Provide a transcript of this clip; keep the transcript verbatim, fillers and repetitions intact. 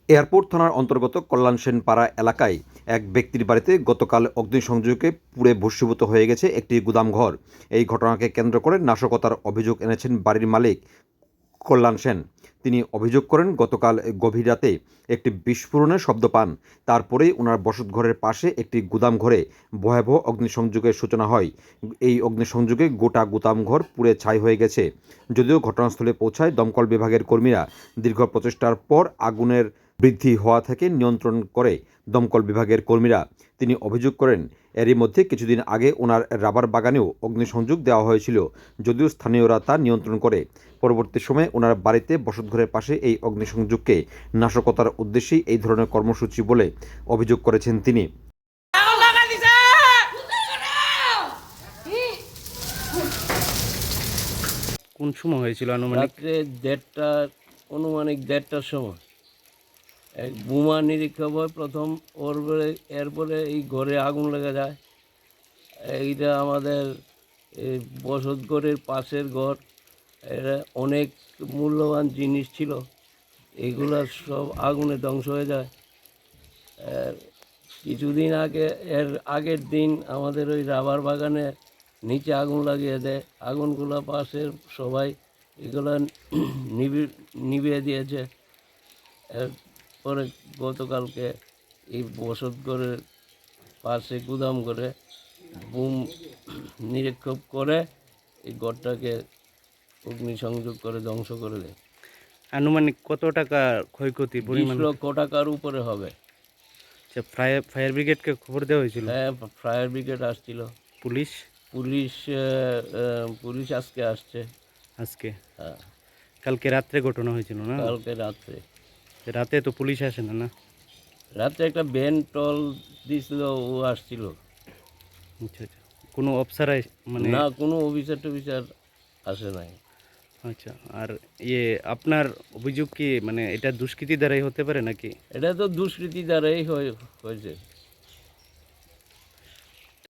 Airport থানার অন্তর্গত কল্যাণ সেন পাড়া এলাকায় এক ব্যক্তির বাড়িতে গতকাল অগ্নিসংযোগে পুড়ে ভস্মীভূত হয়ে গেছে একটি গুদামঘর। এই ঘটনাকে কেন্দ্র করে নাশকতার অভিযোগ এনেছেন বাড়ির মালিক কল্যাণ সেন। তিনি অভিযোগ করেন, গতকাল গভীর রাতে একটি বিস্ফোরণের শব্দ পান। তারপরেই ওনার বসতঘরের পাশে একটি গুদামঘরে ভয়াবহ অগ্নিসংযোগের সূচনা হয়। এই অগ্নিসংযোগে গোটা গুদামঘর পুড়ে ছাই হয়ে গেছে। যদিও ঘটনাস্থলে পৌঁছায় দমকল বিভাগের কর্মীরা, দীর্ঘ প্রচেষ্টার পর আগুনের বৃদ্ধি হওয়া থেকে নিয়ন্ত্রণ করে দমকল বিভাগের কর্মীরা। তিনি অভিযোগ করেন, এরই মধ্যে কিছুদিন আগে ওনার রাবার বাগানেও অগ্নিসংযোগ দেওয়া হয়েছিল, যদিও স্থানীয়রা তা নিয়ন্ত্রণ করে। পরবর্তী সময়ে ওনার বাড়িতে বসতঘরের পাশে এই অগ্নিসংযোগকে নাশকতার উদ্দেশ্যেই এই ধরনের কর্মসূচি বলে অভিযোগ করেছেন তিনি। কোন সময় হয়েছিল আনুমানিক? রাত্রে দেড়টা অনুমানিক দেড়টার সময় এক বোমা নিরীক্ষা হয় প্রথম, ওর পরে এরপরে এই ঘরে আগুন লেগে যায়। এইটা আমাদের এই বসত ঘরের পাশের ঘর, এটা অনেক মূল্যবান জিনিস ছিল, এগুলা সব আগুনে ধ্বংস হয়ে যায়। আর কিছুদিন আগে এর আগের দিন আমাদের ওই রাবার বাগানে নিচে আগুন লাগিয়ে দেয়, আগুনগুলো পাশের সবাই এগুলো নিভি নিভিয়ে দিয়েছে। এরপরে গতকালকে এই বসত ঘরের পাশে গুদাম করে বুম নিরীক্ষণ করে এই ঘরটাকে অগ্নিসংযোগ করে ধ্বংস করে দেয়। আনুমানিক কত টাকা ক্ষয়ক্ষতি বিশ পরিমাণ? লক্ষ টাকার উপরে হবে। আচ্ছা, ফায়ার ফায়ার ব্রিগেডকে খবর দেওয়া হয়েছিল? হ্যাঁ, ফায়ার ব্রিগেড আসছিল। পুলিশ পুলিশ আহ, আহ, পুলিশ আজকে আসছে। আজকে? হ্যাঁ, কালকে রাত্রে ঘটনা হয়েছিল না? কালকে রাত্রে রাতে তো পুলিশ আসে না? না, রাত্রে একটা ভ্যান টল দিছিল, ও আসছিল। আচ্ছা আচ্ছা, কোনো অফিসার মানে? না, কোনো অফিসার টফিসার আসে নাই। আচ্ছা, আর ইয়ে আপনার অভিযোগ কি মানে এটা দুষ্কৃতি দ্বারাই হতে পারে নাকি? এটা তো দুষ্কৃতি দ্বারাই হয়ে- হয়েছে